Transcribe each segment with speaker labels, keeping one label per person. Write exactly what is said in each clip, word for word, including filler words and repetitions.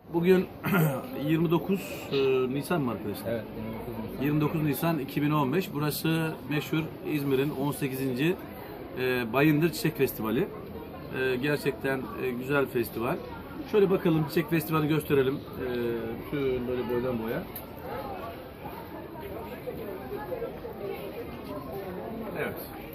Speaker 1: Bugün yirmi dokuz Nisan mı arkadaşlar?
Speaker 2: Evet, yirmi dokuz Nisan.
Speaker 1: yirmi dokuz Nisan iki bin on beş. Burası meşhur İzmir'in on sekizinci Bayındır Çiçek Festivali. E, gerçekten e, güzel festival. Şöyle bakalım, Çiçek Festivali gösterelim. E, şöyle böyle boydan boya. Evet.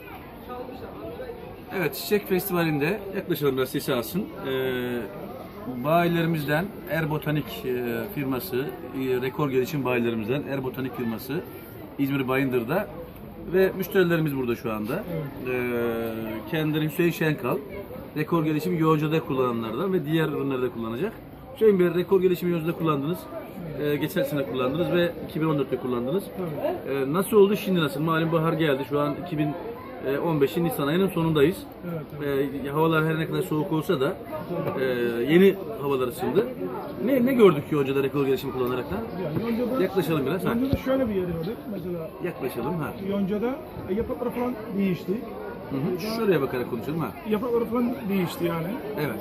Speaker 1: Evet, Çiçek Festivali'nde yaklaşalım biraz sesi alsın. Ee, bayilerimizden Erbotanik e, firması, e, rekor gelişim bayilerimizden Erbotanik firması İzmir Bayındır'da ve müşterilerimiz burada şu anda. Ee, kendileri Hüseyin Şenkal, rekor gelişim yoncada kullananlardan ve diğer ürünlerde kullanacak. Hüseyin Bey, rekor gelişim yoncada kullandınız. Ee, geçen sene kullandınız ve iki bin on dörtte kullandınız. Ee, nasıl oldu, şimdi nasıl? Malum bahar geldi. Şu an iki bin on beşin Nisan ayının sonundayız. Evet, evet. Ee, havalar her ne kadar soğuk olsa da e, yeni havalar ısındı. Ne ne gördük yoncada rekor gelişimi kullanarak da?
Speaker 3: Yani yoncada,
Speaker 1: yaklaşalım biraz.
Speaker 3: Yoncada ha. Şöyle bir yeri gördük mesela.
Speaker 1: Yaklaşalım ha.
Speaker 3: Yoncada e, yaprakları falan değişti.
Speaker 1: Hı hı. Şuraya bakarak konuşalım ha.
Speaker 3: Yaprakları falan değişti yani.
Speaker 1: Evet.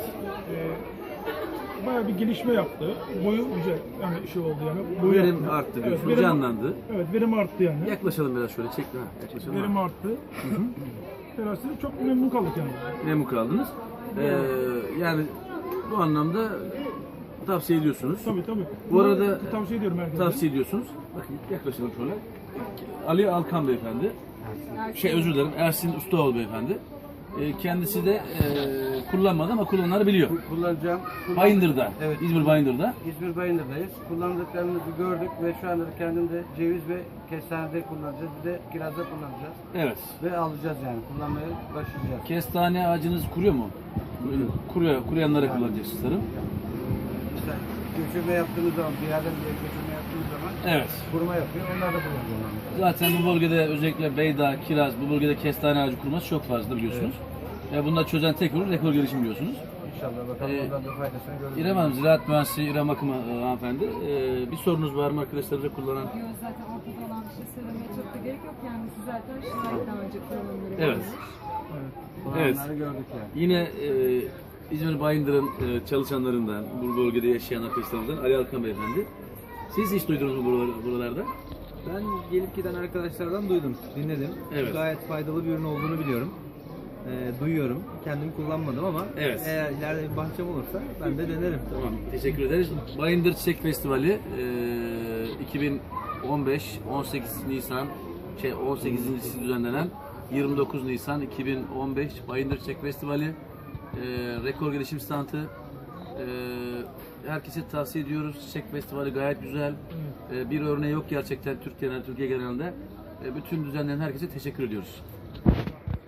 Speaker 3: Ee, bayağı bir gelişme yaptı. Boyu güzel yani şey oldu yani. Boyu
Speaker 1: Verim
Speaker 3: yaptı.
Speaker 1: arttı diyorsun,
Speaker 3: evet, verim,
Speaker 1: canlandı.
Speaker 3: Evet, verim arttı yani.
Speaker 1: Yaklaşalım biraz şöyle, çek ha. Yaklaşalım.
Speaker 3: Verim
Speaker 1: ha.
Speaker 3: arttı. Terasını çok memnun kaldık yani.
Speaker 1: Memnun kaldınız. Ee, yani bu anlamda tavsiye ediyorsunuz.
Speaker 3: Tabii tabii.
Speaker 1: Bu arada
Speaker 3: tavsiye ediyorum herkese.
Speaker 1: Tavsiye ediyorsunuz. Bakın yaklaşalım şöyle. Ali Alkan beyefendi. Şey özür dilerim, Ersin Ustaoğlu beyefendi. Ee, kendisi de e, kullanmadı ama kullananları biliyor.
Speaker 4: Kullanacağım. Kullan-
Speaker 1: Bayındır'da,
Speaker 4: Evet.
Speaker 1: İzmir Bayındır'da.
Speaker 4: İzmir Bayındır'dayız. Kullandıklarımızı gördük ve şu anda kendimde ceviz ve kestanede kullanacağız. Bir de kirazda kullanacağız.
Speaker 1: Evet.
Speaker 4: Ve alacağız yani. Kullanmaya başlayacağız.
Speaker 1: Kestane ağacınız kuruyor mu? Kuruyor, kuruyanlara kullanacaksınız sanırım.
Speaker 4: İşte göçürme yaptığımız zaman, bir yerden bir yere göçürme yaptığımız zaman
Speaker 1: Evet.
Speaker 4: kuruma yapıyor. Onlar da kullanacağız.
Speaker 1: Zaten bu bölgede özellikle Beyda, Kiraz, bu bölgede kestane ağacı kurması çok fazla biliyorsunuz. Evet. Ve bunda çözen tek ürün rekor gelişim biliyorsunuz.
Speaker 4: İnşallah bakalım
Speaker 1: Ee,
Speaker 4: oradan da faydasını görürüz.
Speaker 1: İrem Hanım, Ziraat Mühendisi İrem Akım'a e, hanımefendi. E, bir sorunuz var mı arkadaşlarınıza kullanan?
Speaker 5: Yok, zaten ortada olan bir şey söylemeye çok da gerek yok. Kendisi zaten şahit daha önce kullanımları
Speaker 1: Evet.
Speaker 5: varmış.
Speaker 1: Evet.
Speaker 4: Kullananları gördük yani.
Speaker 1: Yine e, İzmir Bayındır'ın e, çalışanlarından, bu bölgede yaşayan arkadaşlarımızdan Ali Alkan beyefendi. Siz hiç duydunuz mu buralar, buralarda?
Speaker 2: Ben gelip giden arkadaşlardan duydum, dinledim.
Speaker 1: Evet.
Speaker 2: Gayet faydalı bir ürün olduğunu biliyorum. Ee, duyuyorum. Kendim kullanmadım ama
Speaker 1: Evet.
Speaker 2: eğer ileride bir bahçem olursa ben de denerim.
Speaker 1: Tamam, teşekkür ederiz. Bayındır Çiçek Festivali e, iki bin on beş on sekiz Nisan şey on sekizincisi düzenlenen yirmi dokuz Nisan iki bin on beş Bayındır Çiçek Festivali e, rekor gelişim standı. E, herkese tavsiye ediyoruz. Çiçek Festivali gayet güzel. E, bir örneği yok gerçekten Türkiye'de, Türkiye genelinde. E, bütün düzenleyen herkese teşekkür ediyoruz.